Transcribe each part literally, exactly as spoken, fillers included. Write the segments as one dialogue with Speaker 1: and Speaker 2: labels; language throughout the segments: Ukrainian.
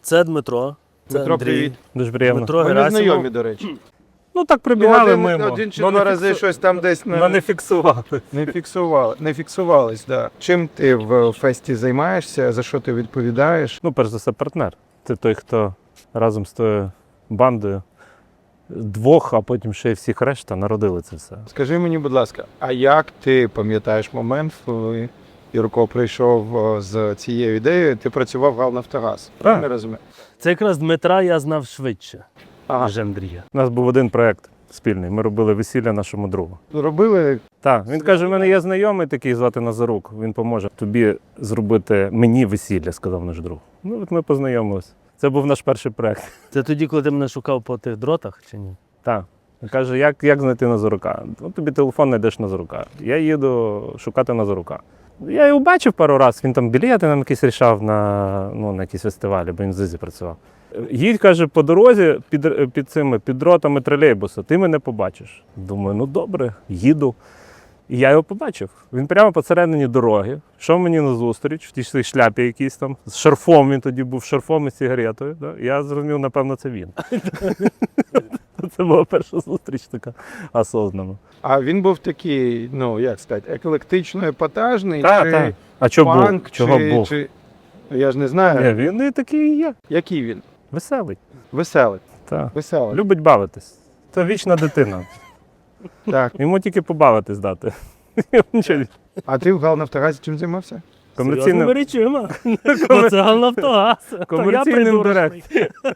Speaker 1: Це Дмитро. Це
Speaker 2: Дмитро,
Speaker 1: Андрій.
Speaker 2: привіт.
Speaker 3: Дуже приємно.
Speaker 1: Дмитро
Speaker 2: Вони
Speaker 1: Герасимов.
Speaker 2: знайомі, до речі.
Speaker 3: Ну так
Speaker 2: Ну,
Speaker 3: прибігали
Speaker 2: один,
Speaker 3: мимо.
Speaker 2: один чи
Speaker 3: но
Speaker 2: два
Speaker 3: не
Speaker 2: рази
Speaker 3: фіксу-
Speaker 2: щось там десь
Speaker 3: но
Speaker 2: не,
Speaker 3: не фіксували.
Speaker 2: не фіксували. Не фіксувались, да. Чим ти в фесті займаєшся, за що ти відповідаєш?
Speaker 3: Ну, перш за все, партнер. Це той, хто разом з тою бандою двох, а потім ще й всіх решта народили це все.
Speaker 2: Скажи мені, будь ласка, а як ти пам'ятаєш момент, коли Юрко прийшов о, з цією ідеєю, ти працював в Галнафтогаз?
Speaker 3: Так.
Speaker 2: Не розумію.
Speaker 1: Це якраз Дмитра я знав швидше,
Speaker 2: Ага.
Speaker 1: ніж Андрія.
Speaker 3: У нас був один проєкт спільний. Ми робили весілля нашому другу.
Speaker 2: Робили
Speaker 3: Так, він каже, в мене є знайомий такий, звати Назарук. Він поможе тобі зробити мені весілля, сказав наш друг. Ну, от ми познайомилися. Це був наш перший проєкт.
Speaker 1: Це тоді, коли ти мене шукав по тих дротах, чи ні?
Speaker 3: Так. Він каже, як, як знайти Назарука? Ну, тобі телефон знайдеш Назарука. Я їду шукати Назарука. Я його бачив пару разів, він там білети нам якісь рішав на, ну, на якісь фестивалі, бо він в ЗИЗі працював. Їдь, каже, по дорозі під, під цими під дротами тролейбуса, ти мене побачиш. Думаю, ну добре, їду. І я його побачив. Він прямо посередині дороги, йшов мені назустріч, в тій своїй шляпі якійсь там, з шарфом, він тоді був шарфом і сигаретою. Да? Я зрозумів, напевно, це він. Це була перша зустріч така осознана.
Speaker 2: А він був такий, ну як сказати, еклектично епатажний,
Speaker 3: Так,
Speaker 2: чи
Speaker 3: так. А чого був?
Speaker 2: панк,
Speaker 3: Чого
Speaker 2: чи,
Speaker 3: був?
Speaker 2: чи... Я ж не знаю,
Speaker 3: Ні, він і такий і є.
Speaker 2: який він.
Speaker 3: Веселий.
Speaker 2: Веселий.
Speaker 3: Так.
Speaker 2: Веселий.
Speaker 3: Любить бавитись. Це вічна дитина.
Speaker 2: Так.
Speaker 3: Йому тільки побавитись дати. Нічого.
Speaker 2: А ти в Галнафтогазі чим займався?
Speaker 3: Комерційним,
Speaker 1: Серйозними речима. Бо це Галнафтогаз. То я
Speaker 3: комерційним
Speaker 1: придурочний.
Speaker 3: директором.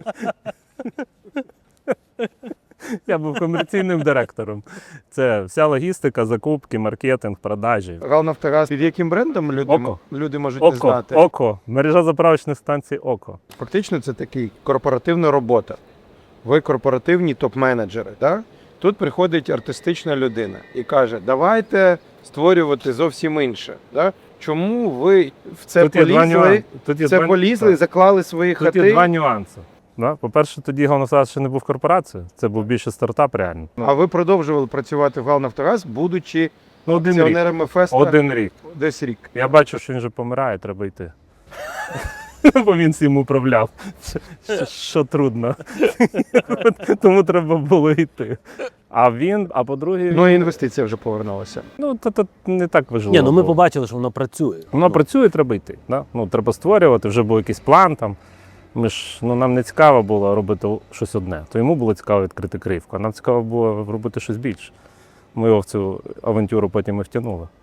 Speaker 3: Я був комерційним директором. Це вся логістика, закупки, маркетинг, продажі.
Speaker 2: Галнафтогаз під яким брендом люди,
Speaker 3: Око.
Speaker 2: люди можуть не
Speaker 3: Око,
Speaker 2: знати?
Speaker 3: око. Мережа заправочних станцій Око.
Speaker 2: Фактично це такий корпоративна робота. Ви корпоративні топ-менеджери. Да? Тут приходить артистична людина і каже, давайте створювати зовсім інше. Да? Чому ви в це
Speaker 3: Тут є два
Speaker 2: полізли,
Speaker 3: нюанси. Тут є
Speaker 2: це
Speaker 3: два-
Speaker 2: полізли,
Speaker 3: так.
Speaker 2: заклали свої
Speaker 3: Тут
Speaker 2: хати?
Speaker 3: є два нюанси. Да? По-перше, тоді Галнафтогаз ще не був корпорацією, це був більше стартап реально.
Speaker 2: А ви продовжували працювати в Галнафтогаз, будучи
Speaker 3: Ну, один рік.
Speaker 2: акціонерами Феста
Speaker 3: Один рік.
Speaker 2: десь рік.
Speaker 3: Я бачу, що він вже помирає, треба йти. Бо він всім управляв. Що, що трудно. Тому треба було йти. А він, а по-друге,
Speaker 2: Ну і інвестиція вже повернулася.
Speaker 3: ну, то, то не так важливо.
Speaker 1: Ні, ну ми
Speaker 3: було.
Speaker 1: побачили, що воно працює.
Speaker 3: Воно
Speaker 1: Ну,
Speaker 3: працює, треба йти. Да? Ну, треба створювати, вже був якийсь план там. Ми ж, ну, нам не цікаво було робити щось одне. То йому було цікаво відкрити кривку, а нам цікаво було робити щось більше. Ми його в цю авантюру потім і втягнули.